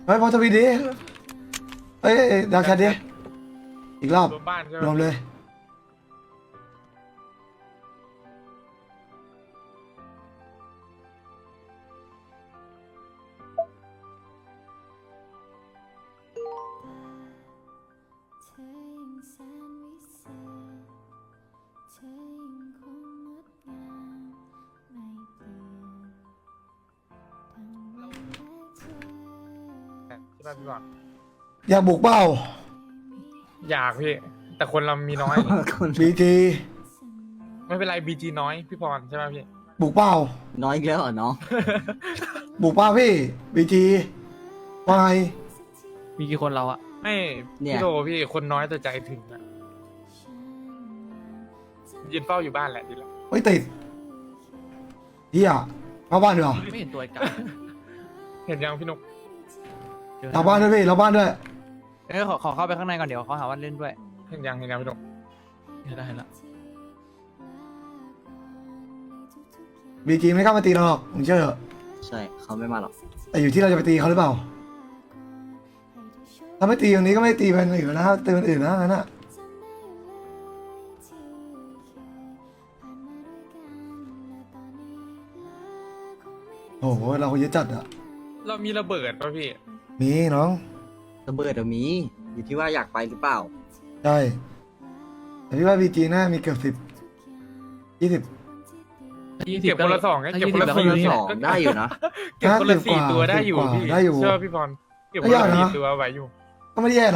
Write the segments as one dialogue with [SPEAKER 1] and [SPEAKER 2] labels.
[SPEAKER 1] เฮ้ยพอทวีดีเอ้ยดาวแคทดิอีกรอบ
[SPEAKER 2] รวมบ้านใช่ไหม
[SPEAKER 1] รวมเลย
[SPEAKER 2] ใช่ป่ะพี่บอล
[SPEAKER 1] อยากบุกเปล่า
[SPEAKER 2] อยากพี่ แต่คนเรามีน้อย
[SPEAKER 3] คน
[SPEAKER 1] บีจี
[SPEAKER 2] ไม่เป็นไรบีจีน้อยพี่พรใช่ป่ะพี่
[SPEAKER 1] บุกเปล่า
[SPEAKER 3] น้อยอีกแล้วเหรอน้อง
[SPEAKER 1] บุกเปล่าพี่บีจีวาย
[SPEAKER 4] มีกี่คนเราอะ
[SPEAKER 2] ไม่
[SPEAKER 3] เนี่ย
[SPEAKER 2] พี่โลพี่คนน้อยแต่ใจถึงอะยืนเฝ้าอยู่บ้านแหละดีละ
[SPEAKER 1] ไม่ติดเฮียเข้าบ้านดีกว่า
[SPEAKER 4] ไม่เห็นตัวไอ้กา
[SPEAKER 2] เห็นยังพี่นุก
[SPEAKER 1] เราบ้านด้วยพี่เราบ้านด้วย
[SPEAKER 4] ขอเข้าไปข้างในก่อนเดี๋ยวเขาหาว่าเล่นด้วย
[SPEAKER 2] เห็นยังพี่นุก
[SPEAKER 4] เห็นแล้วเห็นแล้ว
[SPEAKER 1] บีจีไม่เข้ามาตีเราหรอกมึงเชื่อเถอะ
[SPEAKER 3] ใช่เขาไม่มาหรอก
[SPEAKER 1] แต่อยู่ที่เราจะไปตีเขาหรือเปล่าถ้าไม่ตีตรงนี้ก็ไม่ตีไปอื่นนะตีไปอื่นนะงั้นอะโอ้โหเราคนเยอะจัดอะ
[SPEAKER 2] เรามีระเบิดป่ะพี่
[SPEAKER 1] มีน้อง
[SPEAKER 3] ระเบิดอะมีอยู่ที่ว่าอยากไปหรือเปล่า
[SPEAKER 1] ใช่แต่พี่ว่าบีจีน่ามีเกือบ20
[SPEAKER 2] เก็บคนละสองไง
[SPEAKER 4] ถ้า
[SPEAKER 2] เก็บ
[SPEAKER 4] 20
[SPEAKER 2] คนละ
[SPEAKER 4] แล้ว
[SPEAKER 2] สี่
[SPEAKER 4] ก็อยู่นี่
[SPEAKER 3] สองได้อยู่นะ
[SPEAKER 2] เก็บคนละ
[SPEAKER 1] 50
[SPEAKER 2] สี่
[SPEAKER 1] กว่า
[SPEAKER 2] ตัวได้อยู่
[SPEAKER 1] 10กว่า
[SPEAKER 2] พี่
[SPEAKER 1] ได้อยู่
[SPEAKER 2] เชื่อพี่พรเก็บคนละ
[SPEAKER 1] ไม่ยากนะ
[SPEAKER 2] สี่ตัวไหวอยู่
[SPEAKER 1] ก็ไม่ได้แย่นะ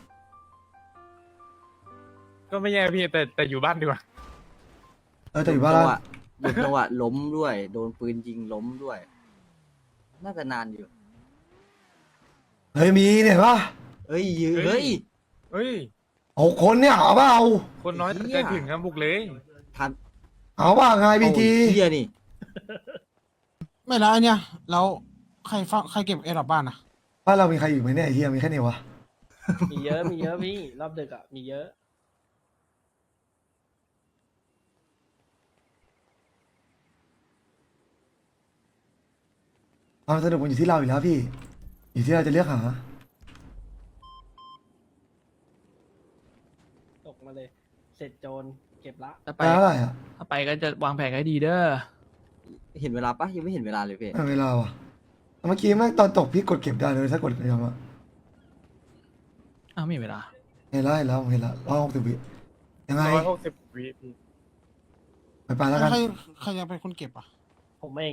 [SPEAKER 2] ก็ไม่แย่พี่แต่อยู่บ้านดีกว่า
[SPEAKER 1] แต่อยู่บ้าน
[SPEAKER 3] จั
[SPEAKER 1] ละ
[SPEAKER 3] งหวะโดนจังหวะล้มด้วย โดนปืนยิงล้มด้วย น่าจะนานอยู่
[SPEAKER 1] เฮ้ยมีเนี่ยปะ
[SPEAKER 3] เฮ้ยยืเฮ้ย
[SPEAKER 2] เฮ้ย
[SPEAKER 1] 6 คนเนี่ยเอาเปล่า
[SPEAKER 2] คนน้อยแต่ใจถึงครับบุกเลย
[SPEAKER 3] ทัน
[SPEAKER 1] เอาเปล่าไงบีจี
[SPEAKER 3] โอ้ยเฮียนี่
[SPEAKER 5] ไม่แล้วไอเนี่ยแล้วใครเฝ้าใครเก็บเอดับบ้านอะ
[SPEAKER 1] บ้านเรามีใครอยู่ไหมเนี่ยไอ้เฮียมีแค่นี้วะ
[SPEAKER 6] มีเยอะ มีเยอะพี่ รอบดึกอ่ะ มีเยอะ
[SPEAKER 1] ความสนุกมันอยู่ที่เราอยู่แล้วพี่ อยู่ที่เราจะเลือกหา
[SPEAKER 6] ตกมาเลย เสร็จโจรเก็บละ
[SPEAKER 4] ถ้า
[SPEAKER 1] ไป
[SPEAKER 4] ไป
[SPEAKER 1] เท่าไหร่อ่ะ
[SPEAKER 4] ถ้าไปก็จะวางแผนให้ดีเด้อ
[SPEAKER 3] เห็นเวลาปะยังไม่เห็นเวลาเลยพี่
[SPEAKER 1] เวลาว่ะเมื่อกี้แม่งตอนตกพี่กดเก็บได้เลยถ้ากดยังอ่ะ
[SPEAKER 4] อ้าวไม่มีเวลา
[SPEAKER 1] เห็นแล้วผมเห็นแล้ว160 วิยังไง
[SPEAKER 2] 160 วิพี่
[SPEAKER 1] ไปแล้วกัน
[SPEAKER 5] ใครจะเป็นคนเก็บอะ
[SPEAKER 6] ผมเอง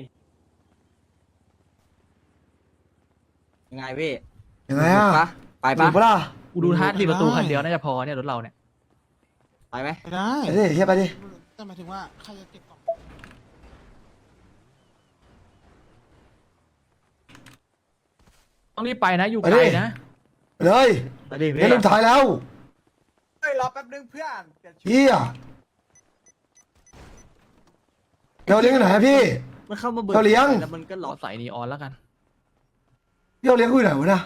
[SPEAKER 3] ยังไงพี่
[SPEAKER 1] ยังไงอ่ะ
[SPEAKER 3] ปะไป
[SPEAKER 1] ถู
[SPEAKER 3] ปะ
[SPEAKER 1] กปะล่ะ
[SPEAKER 4] กูดูท่าที่ประตูคันเดียวน่าจะพอเนี่ยรถเราเนี่ย
[SPEAKER 3] ไปไหม
[SPEAKER 5] ไปได้
[SPEAKER 1] ไปดิเฮียไปดิ
[SPEAKER 5] แต่หมายถึงว่าใครจะเก็บก่อน
[SPEAKER 4] ต้องรีบไปนะอยู่ไกลนะ
[SPEAKER 1] ไปเลย
[SPEAKER 4] ไปดิ
[SPEAKER 1] เฮ้ยลูกท้ายแล้ว
[SPEAKER 7] เฮ้ยรอแป๊บนึงเพื่อนเปลี่ยนชุด
[SPEAKER 1] เฮียเราเลี้ยงที่ไหนอะพี่
[SPEAKER 3] มันเข้ามาเบิร์
[SPEAKER 1] เขาเลี้ยง
[SPEAKER 3] แล้วมันก็
[SPEAKER 4] ร
[SPEAKER 3] ล็
[SPEAKER 4] อ
[SPEAKER 3] อก
[SPEAKER 4] ใส่นีออนแล้วกัน
[SPEAKER 1] พี่เราเลี้ยงกูอยู่ไหนวะนะ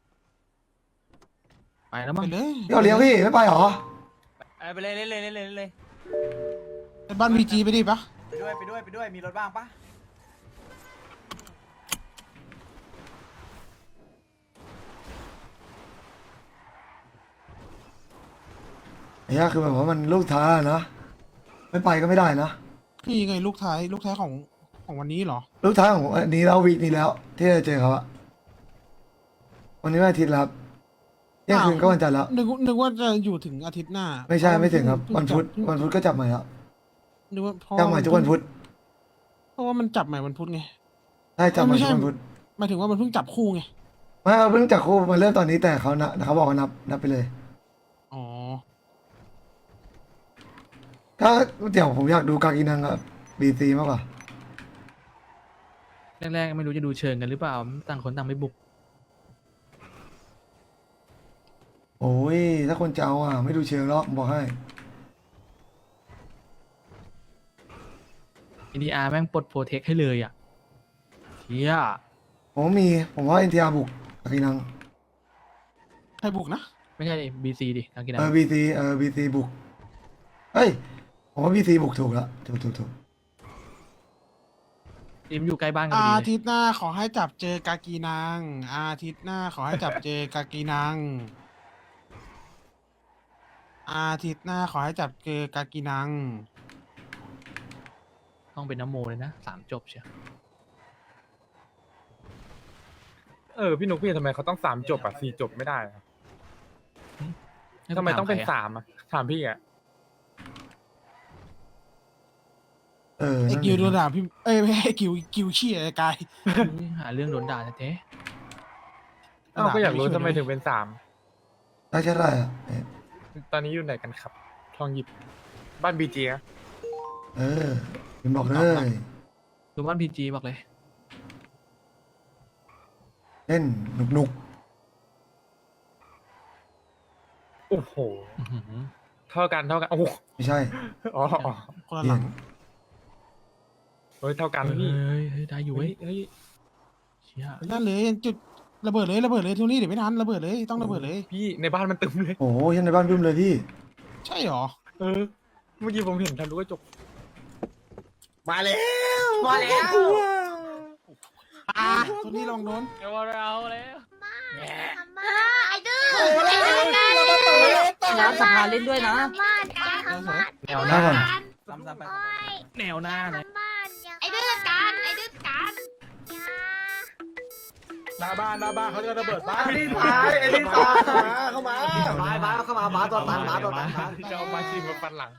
[SPEAKER 4] ไปแล้ว
[SPEAKER 5] ไป
[SPEAKER 4] มั้ง
[SPEAKER 5] เลย
[SPEAKER 1] พี่เราเลี้ยงพี่ไม่ไปหรอ
[SPEAKER 4] ไปเลยเลย
[SPEAKER 5] ไปบ้านวีจีไปดิปะ
[SPEAKER 7] ไปด้วย มีรถบ้างปะ
[SPEAKER 1] ไอ้เหี้ยคือแบบว่ามันลูกท้ายอะนะไม่ไปก็ไม่ได้นะ
[SPEAKER 5] นี่ไงลูกท้ายของวันนี้เหรอ
[SPEAKER 1] ลูกท้ายของอันนี้แล้ววีคนี้แล้ว ที่จะเจอเขาอะวันนี้วันอาทิตย์แล้วครับเที่ยงคืนก็วันจันทร์แล้ว
[SPEAKER 5] นึกว่าจะอยู่ถึงอาทิตย์หน้า
[SPEAKER 1] ไม่ใช่ไม่ถึงครับ
[SPEAKER 5] เพิ่
[SPEAKER 1] วันพุธวันพุธก็จับใหม่แล้ว
[SPEAKER 5] นึกว่าเพราะ
[SPEAKER 1] จับใหม่ทุกวันพุธ
[SPEAKER 5] เพราะว่ามันจับใหม่วันพุธไง
[SPEAKER 1] ใช่จับใหม่
[SPEAKER 5] ไม่ใช่
[SPEAKER 1] ทุกวันพุธ
[SPEAKER 5] หมายถึงว่ามันเพิ่งจับคู่ไง
[SPEAKER 1] ไม่เอาเพิ่งจับคู่มาเริ่มตอนนี้แต่เขานะเขาบอกว่านับไปเลย
[SPEAKER 5] อ๋อ
[SPEAKER 1] ก็เดี๋ยวผมอยากดูกากินังกับบีซีมากกว่า
[SPEAKER 4] แรกๆไม่รู้จะดูเชิงกันหรือเปล่าต่างคนต่างไม่บุก
[SPEAKER 1] โอ้ยถ้าคนจะเอาอ่ะไม่ดูเชิงหรอกผมบอกให้
[SPEAKER 4] อินดีอาร์แม่งปลดโปรเทคให้เลยอ่ะเชี่ย
[SPEAKER 1] ผมว่าเอ็นทีอาร์บุกกากินัง
[SPEAKER 5] ใครบุกนะ
[SPEAKER 4] ไม่ใช่บีซีดิทางกินนะ
[SPEAKER 1] บีซีบุกเฮ้ยผมว่าบีซีบุกถูกแล้วถูก
[SPEAKER 4] ทีมอยู่ใกล้บ้านกันพอ
[SPEAKER 5] อา
[SPEAKER 4] ดีเลย
[SPEAKER 5] ทิตย์หน้าขอให้จับเจอกากีนังอาทิตย์หน้าขอให้จับเจอกากีนังอาทิตย์หน้าขอให้จับเจอกากีนัง
[SPEAKER 4] ต้องเป็นน้ำโมเลยนะ3 จบเชียว
[SPEAKER 2] พี่นุ๊กพี่ทำไมเขาต้อง3 จบอ่ะ4 จบไม่ได้อะ
[SPEAKER 4] ให้กู
[SPEAKER 2] ทำไมต้องเป็น
[SPEAKER 4] ถาใคระ
[SPEAKER 2] 3อ่ะถามพี่อ่ะ
[SPEAKER 1] เออ
[SPEAKER 5] ไอ้
[SPEAKER 1] นั่น
[SPEAKER 5] กิว
[SPEAKER 1] ดิ
[SPEAKER 5] โดนด่าพี่เอ้ยไม่ให้กิวชี้ไอ้กาย
[SPEAKER 4] หาเรื่องโดนด่าแท้
[SPEAKER 2] ก็อยากรู้ทำไมถึงเป็น3
[SPEAKER 1] ได้แค่ได้อะเอ๊ะ
[SPEAKER 2] ตอนนี้อยู่ไหนกันครับ ทองหยิบบ้านบีจีอะ
[SPEAKER 1] เออผมบอกเลย
[SPEAKER 4] ๆดูบ้านพีจีบอกเลย
[SPEAKER 1] เล่นหนุก
[SPEAKER 2] โอ้โห
[SPEAKER 4] อื้อหือ
[SPEAKER 2] เท่ากันโอ้โห
[SPEAKER 1] ๆไม่ใช่
[SPEAKER 2] อ๋อ
[SPEAKER 5] คนละ
[SPEAKER 1] เป
[SPEAKER 5] ห
[SPEAKER 1] ลี่
[SPEAKER 5] ลั
[SPEAKER 1] ยน
[SPEAKER 5] ง
[SPEAKER 2] เฮ้ยเท่ากันพี่
[SPEAKER 4] เฮ้ยได้อยู่เว้ย
[SPEAKER 2] เฮ้ย
[SPEAKER 4] เชี่ย
[SPEAKER 5] นั่นเลยจุดระเบิดเลยทุกนี้เดี๋ยวไม่ทันระเบิดเลยต้องระเบิดเลย
[SPEAKER 2] พี่ในบ้านมันตึมเลย
[SPEAKER 1] โอ้โหยันในบ้านบึ้มเลยพี่
[SPEAKER 5] ใช่หรอ
[SPEAKER 2] เมื่อกี้ผมเห็นทะลุกระจก
[SPEAKER 7] มาแล้วมาแล้ว
[SPEAKER 5] ตัวนี้ลองโดน
[SPEAKER 4] เอาแล้ว
[SPEAKER 8] ไอ้ดื้อไอ้ดื้อกัน
[SPEAKER 3] น้ำสภาเล่นด้วยนะ
[SPEAKER 8] บ้านการทำบ้าน
[SPEAKER 4] แนวหน้า
[SPEAKER 7] ซ้ำๆไป
[SPEAKER 8] โอ้ย
[SPEAKER 4] แนวหน้านะ
[SPEAKER 8] ทำบ้านไอ้ดื้อกันไอ้ดื้อกันอย่า
[SPEAKER 6] หน้าบ้านเขาจะระเบิดบ้าน
[SPEAKER 7] ไอ้นี่ตายไอ้นี่ตายเข้ามาบ้าเข้ามาบ้าตอนตันบ้าตอนตันบ้า
[SPEAKER 2] จะเอามาชิมมาปันหลัง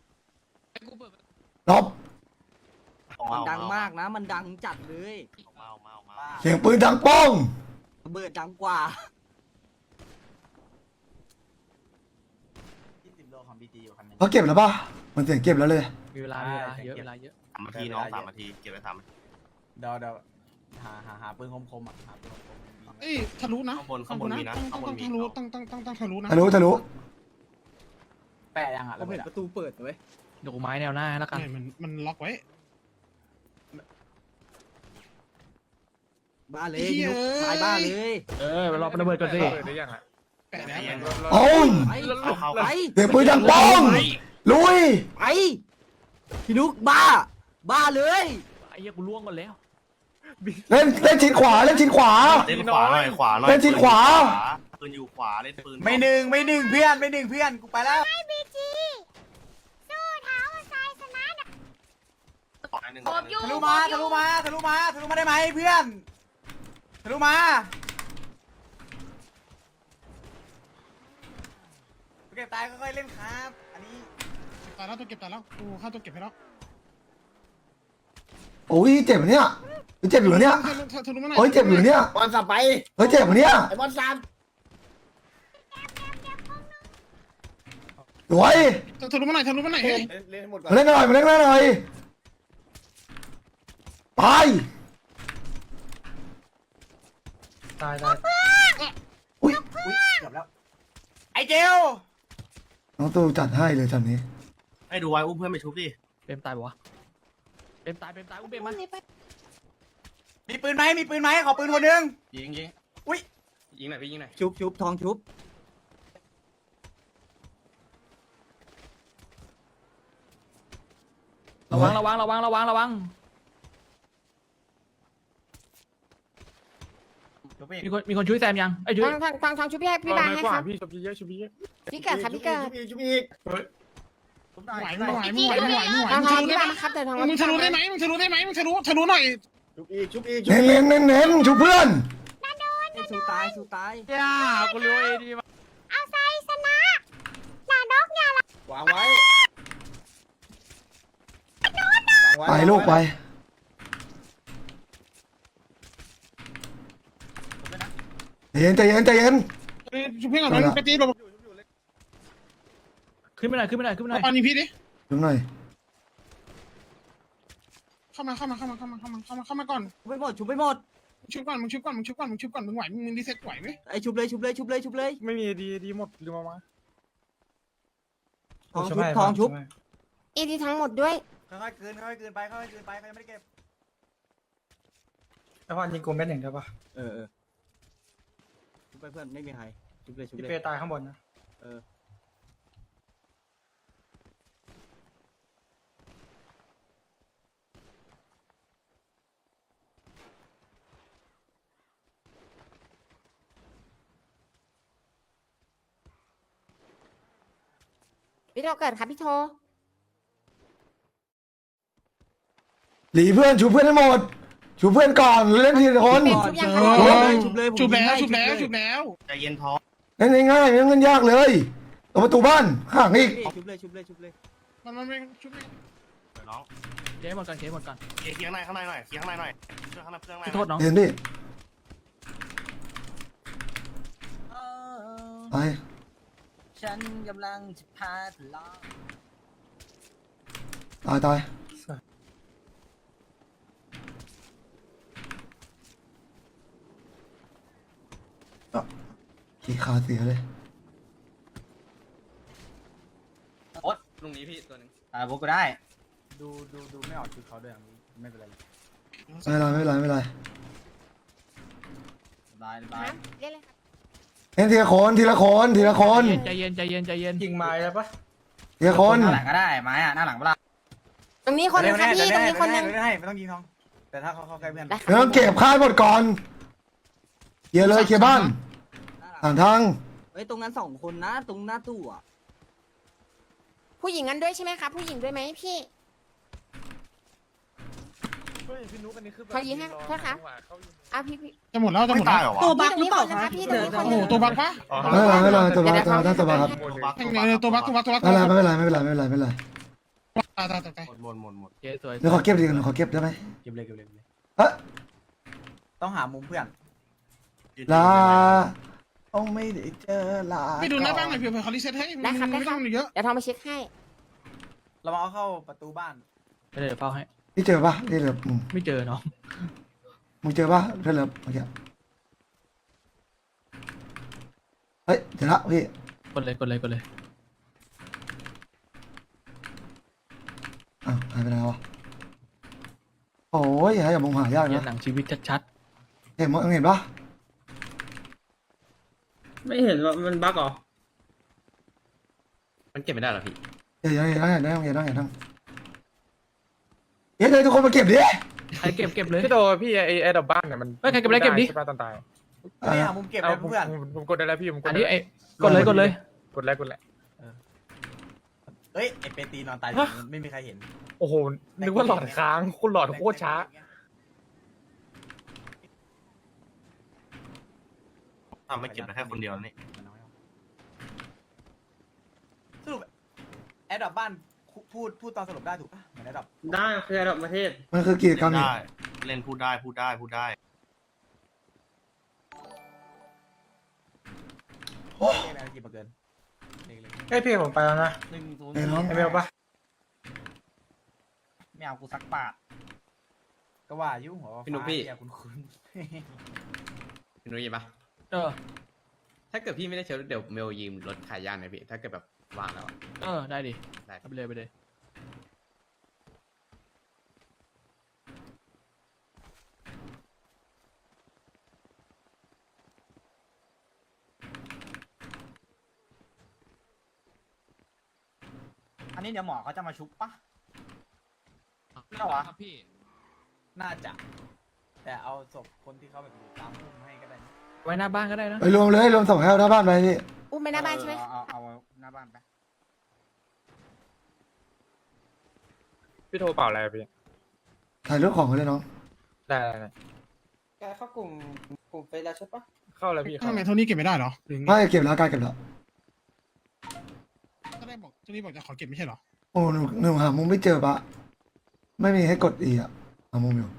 [SPEAKER 1] ลบ
[SPEAKER 3] มันดังมากนะ มันดังจัดเลย
[SPEAKER 1] เสียงปืนดังป้อง
[SPEAKER 3] ระเบิดดังกว่า
[SPEAKER 7] 20 โลของบีจีอยู่คันนึง
[SPEAKER 1] เขาเก็บแล้วป่ะมันเสียงเก็บแล้วเลย
[SPEAKER 4] มีเวลาเยอะเวลาเยอะ
[SPEAKER 9] 3 นาทีน้อง 3 นาที เก็บไว้3 นาที
[SPEAKER 7] เดี๋ยวหาปืนคมๆอ่ะหาปืนคมๆ
[SPEAKER 5] เอ้ยทะลุนะ
[SPEAKER 9] ข้างบนมีนะ
[SPEAKER 5] ต้อง
[SPEAKER 9] ข้างบนมี
[SPEAKER 5] ทะลุต้องทะลุนะ
[SPEAKER 1] ทะลุ
[SPEAKER 7] แปะยังอ่ะ
[SPEAKER 3] ผมเห็นประตูเปิดเว้ย
[SPEAKER 4] เดี๋ยวกูไม้แนวหน้าให้แล้วกัน
[SPEAKER 5] เนี่ยมันล็อกไว้
[SPEAKER 3] บ้าเลย
[SPEAKER 5] เหี้
[SPEAKER 3] พี่
[SPEAKER 5] ย
[SPEAKER 3] นุ๊กตายบ้าเลย
[SPEAKER 4] ไปรอระเบิดก่อนสิ
[SPEAKER 2] เปิดได้ยังอ่ะ
[SPEAKER 5] แปะแล้ว
[SPEAKER 1] โอ้ย
[SPEAKER 3] ไป
[SPEAKER 9] เข้า
[SPEAKER 3] ไป
[SPEAKER 1] เสียงปืนดังป้องลุย
[SPEAKER 3] ไปพี่นุ๊กบ้า บ้าเลย
[SPEAKER 4] ไอ้เหี้ยกูล่วงก่อนแล้ว
[SPEAKER 1] เล่นชิดขวาเล่นชิดขวา
[SPEAKER 9] เล่นขวาหน่อย ขวาหน่อย
[SPEAKER 1] เล่นชิดขวา
[SPEAKER 9] ปืนอยู่ขวา เล่นปืน
[SPEAKER 7] ไม่หนึ่งเพื่อนกูไปแล้ว
[SPEAKER 8] บีจีสู้เท้าทรายชนะนะ
[SPEAKER 9] ขวาหนึ่ง
[SPEAKER 8] ผมอยู่
[SPEAKER 7] ทะลุมาได้ไหมเพื่อนทะลุมาเก็บตายค่อยๆเล่นครับอันนี้
[SPEAKER 5] ตายแล้วตัวเก็บตายแล้วกูฆ่าตัวเก็บให้แล้ว
[SPEAKER 1] โอ้ยเจ็บเหรอเนี่ยเจ็บอยู่เหรอเนี่ย
[SPEAKER 5] ทะลุมาหน่อย
[SPEAKER 1] โอ้ยเจ็บอยู่เหรอเนี่ย
[SPEAKER 7] บอลสับไป
[SPEAKER 1] เฮ้ยเจ็บเหรอเนี่ย
[SPEAKER 7] ไอ้บอลสับ
[SPEAKER 1] สวย
[SPEAKER 5] ทะลุมาหน่อยเฮ้ย
[SPEAKER 7] เล่นให้หมดก่อน
[SPEAKER 1] มาเล่นหน่อยไป
[SPEAKER 2] ตาย
[SPEAKER 1] อุ้ย
[SPEAKER 7] อุ้ยเกือบแล้วไอ้เจล
[SPEAKER 1] น้องตูจัดให้เลยจันนี้
[SPEAKER 9] ให้ดูไว้อุ้มเพื่อนไปชุบดิ
[SPEAKER 4] เปรมตายปะวะเปรมตายอุ้มเปรมมา
[SPEAKER 7] มีปืนไหมขอปืนคนหนึง
[SPEAKER 9] ยิง
[SPEAKER 7] อุ้ย
[SPEAKER 9] ยิงหน่อยพี่ยิงหน่อย
[SPEAKER 3] ชุบทองชุบ
[SPEAKER 4] ระวัง มีคนช่วยแซมยังไอ้ช่วย
[SPEAKER 8] ทางชุบพี่ให้พี่บางให้
[SPEAKER 2] กว่า
[SPEAKER 8] ครับ
[SPEAKER 2] พี่ชมเยอะชมเยอะ
[SPEAKER 8] พี่เกิดครับพี่เกิด
[SPEAKER 7] ชุบอีก
[SPEAKER 5] ไหวไม่ไหวไม่ไหวไม่ไหวไม่ไหว
[SPEAKER 8] ทาง
[SPEAKER 5] มึงทะลุ
[SPEAKER 8] พี่
[SPEAKER 5] ได้
[SPEAKER 8] บาง
[SPEAKER 5] ไหม
[SPEAKER 8] ครับเดี๋ยวทาง
[SPEAKER 5] มึงทะลุได้ไหมมึงทะลุหน่อย
[SPEAKER 7] ชุบอีก
[SPEAKER 1] เน้นชูเพื่อน
[SPEAKER 3] สู้ตายสู้ตาย
[SPEAKER 4] ย่ากูรู้เอดีมา
[SPEAKER 8] เอาทรายชนะหน้าดอกอย่าละ
[SPEAKER 7] วางไว้
[SPEAKER 1] ไปลูกไป ใจเย็น
[SPEAKER 5] ชุบเพื่อนก่อนมันไปตีแบบ
[SPEAKER 4] ขึ้นไปหน่อย
[SPEAKER 5] ปานีพี่ดิ
[SPEAKER 1] ดูหน่อย
[SPEAKER 5] เข้ามาก่อน
[SPEAKER 3] ชุบไปหมด
[SPEAKER 5] ชุบก่อนมึงไหวมึงรีเซ็ตไหวไหม
[SPEAKER 3] ไอชุบเลย
[SPEAKER 2] ไม่มีดีหมดลืมเอามา
[SPEAKER 3] ทองชุบ
[SPEAKER 8] อีดีทั้งหมดด้วย
[SPEAKER 7] ค่อยๆคืนไปเขายังไม่ได้เก็บ
[SPEAKER 6] ไอ้พ่อยิงกูเม็ดหนึ่งได้ปะ
[SPEAKER 3] เออชุบไปเพื่อนไม่มีใครชุบเลย
[SPEAKER 6] พี่เปตายข้างบนนะ
[SPEAKER 3] เออ
[SPEAKER 8] พี่โทเกิดครับพี่โท
[SPEAKER 1] หลีเพื่อนชูเพื่อนให้หมดชูเพื่อนก่อนเล่นทีละคน
[SPEAKER 8] เป็นชุบยัง
[SPEAKER 5] เอ
[SPEAKER 8] คะ
[SPEAKER 5] อ
[SPEAKER 3] ชุบเลย
[SPEAKER 5] ชุบแล้วชุบแล้วชุบแล้ว
[SPEAKER 9] ใจเย็นท้อง
[SPEAKER 1] เล่นง่ายๆไม่ต้องเล่นยากเลยตรงประตูบ้านข้างอีก
[SPEAKER 3] ชุบเลยชุบเลยชุบเลย
[SPEAKER 5] มันไม่ชุบไม่
[SPEAKER 9] เดี๋ยวน้อง
[SPEAKER 4] เคสหมดก่อนเคสหมดก่อน
[SPEAKER 9] เคลียร์ข้างในข้างในหน่อยเคลียร์ข้างในหน่อยเครื่องข้างในเครื่องข้างใน
[SPEAKER 4] พี่โทษน้อง
[SPEAKER 1] เห็นดิไป
[SPEAKER 3] ฉันกำลังจะพาทะเลาะ
[SPEAKER 1] ตายขี้ขาเสียเลย
[SPEAKER 9] ลุงนี้พี่ตัวหนึง
[SPEAKER 3] พวกกูได้
[SPEAKER 6] ดูไม่ออกชุดเขาด้วยไม่เป็นไร
[SPEAKER 1] ไม่เป็นไร
[SPEAKER 3] บายบาย
[SPEAKER 8] เรียกเลยครับ
[SPEAKER 1] เล่นทีละคนทีละคน
[SPEAKER 4] ใจเย็นใจเย็นใจเย็น
[SPEAKER 6] ยิงไม้ได้ปะ
[SPEAKER 1] ทีละคน
[SPEAKER 3] หน้าหลังก็ได้ไม้อะหน้าหลังเปล่า
[SPEAKER 8] ตรงนี้คนนึงครับพี่ตรงนี้คนนึง
[SPEAKER 6] ไม่ต้องยิงทองแต่ถ้าเขาใกล้เพื่อน
[SPEAKER 8] ได้ค
[SPEAKER 1] ไม่ต้องเก็บค่ายหมดก่อนเคลียร์เลยเคลียร์บ้านทางทาง
[SPEAKER 3] เฮ้ยตรงนั้นสองคนนะตรงหน้าตู้อ่ะ
[SPEAKER 8] ผู้หญิงกันด้วยใช่ไหมครับผู้หญิงด้วยไหมพี่
[SPEAKER 2] พี่นุ๊กอันนี้คือแบบ
[SPEAKER 8] เขายิงให้โทษครับ อ่ะพี่
[SPEAKER 5] จะหมดแล้วจะห
[SPEAKER 9] ไม่
[SPEAKER 5] มด
[SPEAKER 9] ตา
[SPEAKER 5] แล้
[SPEAKER 9] ยว เหรอวะ
[SPEAKER 8] ตัวบักหรือเปล่าครับพี่ตรงนี้คน
[SPEAKER 5] โอ้
[SPEAKER 8] นึ
[SPEAKER 5] โห
[SPEAKER 8] ง
[SPEAKER 5] ตัวบักปะ
[SPEAKER 1] ไม่เป็นไรตัวบักครับ
[SPEAKER 5] แข่งเลยตัวบัก
[SPEAKER 1] ไม่เป็นไรไม่เป็นไร
[SPEAKER 5] ตาย
[SPEAKER 9] หมด
[SPEAKER 4] เคสสวย
[SPEAKER 1] เดี๋ยวขอเก็บดิขอเก็บได้ไหม
[SPEAKER 6] เก็บเลย
[SPEAKER 1] เอ๊ะ
[SPEAKER 6] ต้องหามุมเพื่อน
[SPEAKER 1] ลาต้องไม่ได้เจอลา
[SPEAKER 5] ไปดูหน้าบ้างหน่อยเผื่อเขารีเซ็ตให้ไม่ต้องเยอะ
[SPEAKER 8] เดี๋ยวทองไปเช็คให้
[SPEAKER 6] เรามาเอาเข้าประตูบ้าน
[SPEAKER 4] ไปเลยเดี๋ยวเฝ้าให้
[SPEAKER 1] พี่เจอปะนี่เหลือมึง
[SPEAKER 4] ไม่เจอน้อง
[SPEAKER 1] เจอปะเพื่อนเหลือเมื่อกี้เฮ้ยเจอละพี่
[SPEAKER 4] กดเลย
[SPEAKER 1] อ้าวหายไปไหนวะโอ้ยอย่ามองหายาก
[SPEAKER 4] เห็น
[SPEAKER 1] นะ
[SPEAKER 4] หนังชีวิตชัด
[SPEAKER 1] เห็นปะ
[SPEAKER 10] ไม่เห็นว่ามันบั๊กเหรอ
[SPEAKER 9] มันเก็บไม่ได้หรอพี่
[SPEAKER 1] อย่าเลยทุกคนมาเก็บดิ
[SPEAKER 4] ๆใครเก็บเลย
[SPEAKER 2] พี่โตพี่ไอ้ดอกบ้านเนี่ยมัน
[SPEAKER 4] เฮ้ยใครเก็บอะไรเก็บดิ
[SPEAKER 2] ใช่ป่ะตอนตาย
[SPEAKER 6] ไม่หามุมเก็บ
[SPEAKER 2] เอา
[SPEAKER 6] เลย
[SPEAKER 2] ผม
[SPEAKER 6] เพื่อน
[SPEAKER 2] ผมกดได้แล้วพี่ผมก
[SPEAKER 4] อั
[SPEAKER 2] ด
[SPEAKER 4] น
[SPEAKER 2] ได้
[SPEAKER 4] นี้
[SPEAKER 2] แล้ว
[SPEAKER 4] ไอ้กดเลย
[SPEAKER 2] กดแล้ว
[SPEAKER 6] เฮ้ยไอเปตีนอนตายไม่มีใครเห็น
[SPEAKER 2] โอ้โหนึกว่าหลอดค้างคุณหลอดโคตรช้า
[SPEAKER 9] ทำไม่เก็บได้แค่คนเดียวนี่
[SPEAKER 6] สรุปแอดดอปบ้านพูดตอนสรุปได้ถูกปะเหมือนแอดดอป
[SPEAKER 10] ได้คือระดับประเทศ
[SPEAKER 1] มันคือกิจกรรมนี่
[SPEAKER 9] ได้เล่นพูดได้
[SPEAKER 6] เลขอะไรกี่เปอร์เซ็นต์เลข
[SPEAKER 2] เฮ้ยพี่ผมไปแล้วนะ
[SPEAKER 3] 1 0
[SPEAKER 1] ไอ้น้อง
[SPEAKER 2] ไอเมลปะ
[SPEAKER 3] ไม่เอากูสักบาท
[SPEAKER 6] ก็ว่ายุ่งหัว
[SPEAKER 9] พี่นุ๊กพี่
[SPEAKER 6] คุณ
[SPEAKER 9] พี่นุ้ยปะ
[SPEAKER 4] เออ
[SPEAKER 9] ถ้าเกิดพี่ไม่ได้เชิญเดี๋ยวเมลยืมรถขายย่านไหมพี่ถ้าเกิดแบบวางแล้ว
[SPEAKER 4] ได้ดิ
[SPEAKER 9] ได้
[SPEAKER 4] เอาไปเลย
[SPEAKER 3] อันนี้เดี๋ยวหมอเขาจะมาชุบปะ
[SPEAKER 4] ไม่หรอครับพี่
[SPEAKER 6] น่าจะ แต่เอาศพคนที่เขาแบบอยู่ตามพุ่มให้ก็ได้นะ
[SPEAKER 4] ไว้หน้าบ้านก็ได้นะ
[SPEAKER 1] ไปรวมส่งให้เอาหน้าบ้านไปพี่
[SPEAKER 8] อุ้มไปหน้าบ้านใช่ไหม
[SPEAKER 3] เอาหน้าบ้านไป
[SPEAKER 2] พี่โทรเปล่าอะไรอะพี่
[SPEAKER 1] ถ่ายรูปของเขาเลยน้อง
[SPEAKER 2] ได้
[SPEAKER 10] แกเข้ากลุ่มไปแล้วใช่ปะ
[SPEAKER 2] เข้าแล้วพี่
[SPEAKER 5] ทำไมโทนี่เก็บไม่ได้เหรอ
[SPEAKER 1] ไม่เก็บแล้วการเก็บแล้ว
[SPEAKER 5] ก็ได้บอกโทนี่บอกจะขอเก็บไม่ใช่เหรอ
[SPEAKER 1] โอ้หนูหามุมไม่เจอปะไม่มีให้กดอีอ่ะหามุมอยู่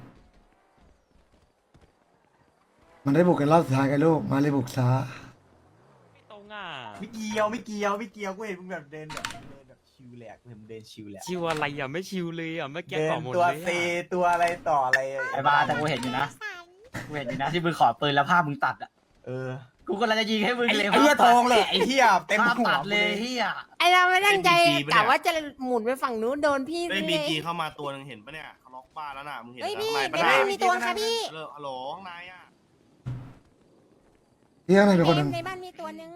[SPEAKER 1] มันได้บุกกันรอบสุดท้ายกันลูกมาเลยบุกซะ
[SPEAKER 10] ตรงอ่ะ
[SPEAKER 6] ไม่เกี่ยวกูเห็นมึงแบบเดินแบบชิวแหลกกูเห็นมึงเดินชิวแหลก
[SPEAKER 10] ชิวอะไรอ่ะไม่ชิวเลยอ่ะเมื่อกี้
[SPEAKER 6] เดิ
[SPEAKER 10] ก่อน หมด
[SPEAKER 6] ตัว
[SPEAKER 10] เลย
[SPEAKER 6] เซตัวอะไรต่ออะไร
[SPEAKER 3] ไอ้บ้าแต่กูเห็นอยู่นะกูเห็นอยู่นะที่มึงขอปืนแล้วภาพมึงตัดอ่ะ
[SPEAKER 6] เออ
[SPEAKER 3] กูกำลังจะยิงให้มึง
[SPEAKER 6] ไอ้
[SPEAKER 3] เลย
[SPEAKER 6] เหี้ยทองเลยไอ้เหี้ยเต็ม
[SPEAKER 3] ภาพ
[SPEAKER 6] หัว
[SPEAKER 3] ตัดเลยเฮีย
[SPEAKER 8] ไอเราไม่ตั้งใจกะว่าจะหมุนไปฝั่งนู้นโดนพี่
[SPEAKER 9] เฮ้ย
[SPEAKER 8] เล
[SPEAKER 9] บี
[SPEAKER 8] ย
[SPEAKER 9] จีเข้ามาตัวนึงเห็นปะเนี่ยเขาล็อกบ้านแล้วน่ะมึงเห็น
[SPEAKER 8] เฮ้ย
[SPEAKER 9] ข้า
[SPEAKER 8] พี่
[SPEAKER 9] งใน
[SPEAKER 8] ใน
[SPEAKER 9] ปะ
[SPEAKER 8] บ้า
[SPEAKER 9] น่ะ
[SPEAKER 8] นมีตัวค่ะพี่
[SPEAKER 9] ฮัลโหลข้างในอ่ะ
[SPEAKER 1] พี่ข้างในเป็นคนหนึ่ง
[SPEAKER 8] ในบ้านมีตัวนึง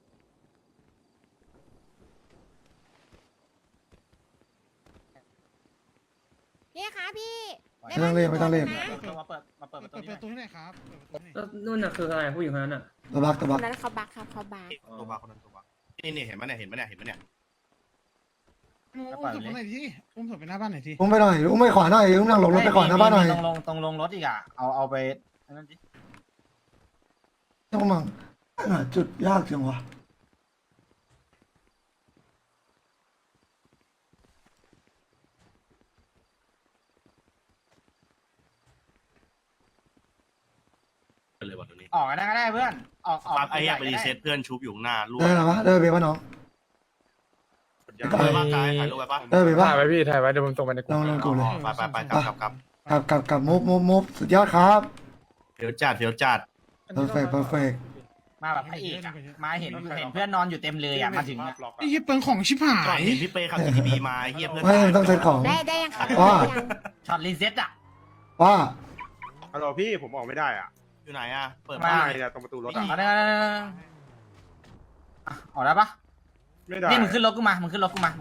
[SPEAKER 8] พี่คะพี่
[SPEAKER 1] ไม่ต้องเล่น
[SPEAKER 8] นะ
[SPEAKER 3] มาเปิดประตู
[SPEAKER 5] เปิด
[SPEAKER 3] นี้
[SPEAKER 5] ประตูให้หน่อยครับเปิดประตูให้หน่อย
[SPEAKER 10] แล้วนู่นน่ะคืออะไรผู้หญิงคนนั้นอ่ะ
[SPEAKER 1] ตัวบัก
[SPEAKER 8] คนนั้นเขาบักครับเขาบัก
[SPEAKER 9] ตัวบ้าคนนั้นตัวบ้านี่เห็นปะเนี่ย
[SPEAKER 5] อุ้มศพไปไหนทีอุ้มศพไปหน้าบ้านไหนที
[SPEAKER 1] อุ้มไปหน่อยอุ้มไปขวาหน่อยอุ้มนั่งลงรถไปก่อนหน้าบ้านหน่อย
[SPEAKER 6] ตรงลงรถอีกอ่ะเอาไปนั่นดิ
[SPEAKER 1] ต้องมั่งหาจุดยากจังวะ
[SPEAKER 6] ออกก็ได้เพื่อนออก
[SPEAKER 11] ปั๊บไอ้เหี้ยไปรีเซ็ตเพื่อนชุบอยู่ข้างหน้าล่วง
[SPEAKER 1] ได้หรอวะได้เบย์ป่ะน้อง
[SPEAKER 11] ไปบ้างกายถ่ายรูปไปป่ะ
[SPEAKER 1] ได้เบย์ป่ะ
[SPEAKER 2] ถ่ายไว้พี่ถ่ายไว้เดี๋ยวผมส่งไปในก
[SPEAKER 1] ล
[SPEAKER 2] ลุ่
[SPEAKER 1] อง
[SPEAKER 2] ม
[SPEAKER 1] ลองกูเลย
[SPEAKER 11] ไปกลับ
[SPEAKER 1] มุฟสุดยอดครับ
[SPEAKER 11] เดี๋ยวจัด
[SPEAKER 1] perfect
[SPEAKER 6] มาแบบพระเอกอะมาเห็นเพื่อนนอนอยู่เต็มเลยอ่ะมาถึงอะ
[SPEAKER 5] ไอ้เหี้ยเปิงของชิบหา
[SPEAKER 11] ก่อน
[SPEAKER 5] ย
[SPEAKER 11] เห็นพี่เป้ขับ GTB มาเฮียเพื่อน
[SPEAKER 1] ไม่ต้องเซ็ตของ
[SPEAKER 8] ได้ยังครับ
[SPEAKER 1] ว่า
[SPEAKER 6] ช็อตรีเซ็ตอ่ะ
[SPEAKER 1] ว่า
[SPEAKER 7] ฮัลโหลพี่ผมออกไม่ได้อ่ะ
[SPEAKER 11] อยู่ไหนอ่ะเปิด
[SPEAKER 6] ไม่
[SPEAKER 11] บ้าน
[SPEAKER 7] เนี่ยตรงประตูรถ
[SPEAKER 6] อ
[SPEAKER 7] อ่ะ
[SPEAKER 6] อกได้ออกได้ปะ
[SPEAKER 7] ไม่ได้
[SPEAKER 6] นี่มึงขึ้นรถกูมามึงขึ้นรถกูมา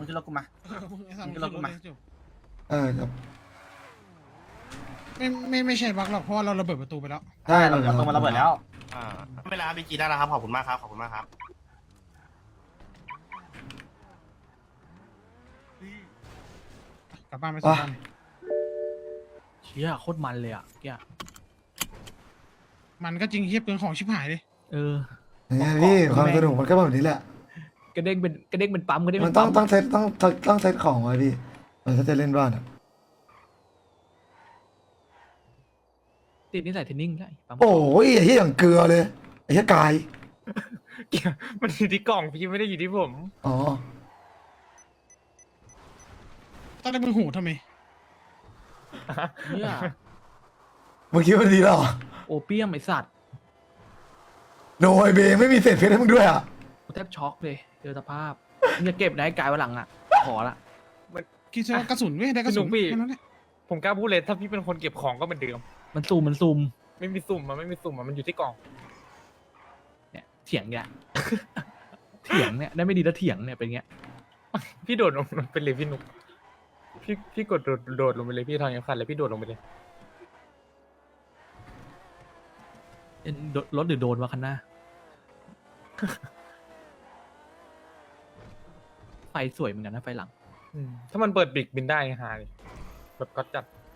[SPEAKER 5] ไม่ใช่บักหรอกเพราะว่าเราระเบิดประตูไปแล้ว
[SPEAKER 1] ได้
[SPEAKER 6] เราเดี๋ยวตรงมาระเบิดแล้ว
[SPEAKER 11] ไม่เป็นไรครับพี่จีได้แล้วครับขอบคุณมากครับขอบคุณมากครับ
[SPEAKER 5] กลับบ้านไปส่งบ้าน
[SPEAKER 4] เชี่ยโคตรมันเลยอ่ะเกี้ย
[SPEAKER 5] มันก็จริงเหี้ยเปิงของชิบหายเลย
[SPEAKER 4] เออ
[SPEAKER 1] เนี่ยพี่ความสนุกมันก็แบบนี้แหละ
[SPEAKER 4] กระเด้งเป็นปั๊มกระเด้ง
[SPEAKER 1] มั
[SPEAKER 4] เป็น น
[SPEAKER 1] ต้อง
[SPEAKER 4] ปั๊ม
[SPEAKER 1] ต้องเซ็ตต้องเซ็ตของไว้พี่ถ้าจะเล่นบ้านอ่ะ
[SPEAKER 4] ติดนิสัยเทรนนิ่งได้ปั๊ม
[SPEAKER 1] โอ้ยไอ้เหี้ยอย่างเกลือเลยไอ้เหี้ยกาย
[SPEAKER 2] มันอยู่ที่กล่องพี่ไม่ได้อยู่ที่ผม
[SPEAKER 1] อ๋อ
[SPEAKER 5] ต้องได้มึงหูทำไม
[SPEAKER 4] เนี่ย
[SPEAKER 1] เมื่อกี้มันดีแล้วเหรอ
[SPEAKER 4] โอเปียมไอสัตว์
[SPEAKER 1] โดยเบย์ไม่มีเศษเพชรให้มึงด้วยอ่ะ
[SPEAKER 4] แทบช็อกเลยเจอสภาพมึงจะเก็บได้กายวันหลังอ่ะขอละ
[SPEAKER 5] คิดซะว่ากระสุนเว้ยได้กระสุนแค่นั้นแหละ
[SPEAKER 2] ผมกล้าพูดเลยถ้าพี่เป็นคนเก็บของก็เหมือนเดิม
[SPEAKER 4] มันซูม
[SPEAKER 2] ไม่มีสุ่มมันไม่มีสุ่มมันอยู่ที่กล่อง
[SPEAKER 4] เนี่ยเถียงเนี่ย เถียงเนี่ยได้ไม่ดีแล้วเถียงเนี่ยเป็นเงี้ย
[SPEAKER 2] พี่โดดลงไปเลยพี่หนุกพี่กดโดดลงไปเลยพี่ทางยังคันเลยพี่โดดลงไปเลย
[SPEAKER 4] รถหรือโดนวะคันหน้า ไฟสวยเหมือนกันนะไฟหลัง
[SPEAKER 2] ถ้ามันเปิดบิกบินได้หาเลยแบบก็จัด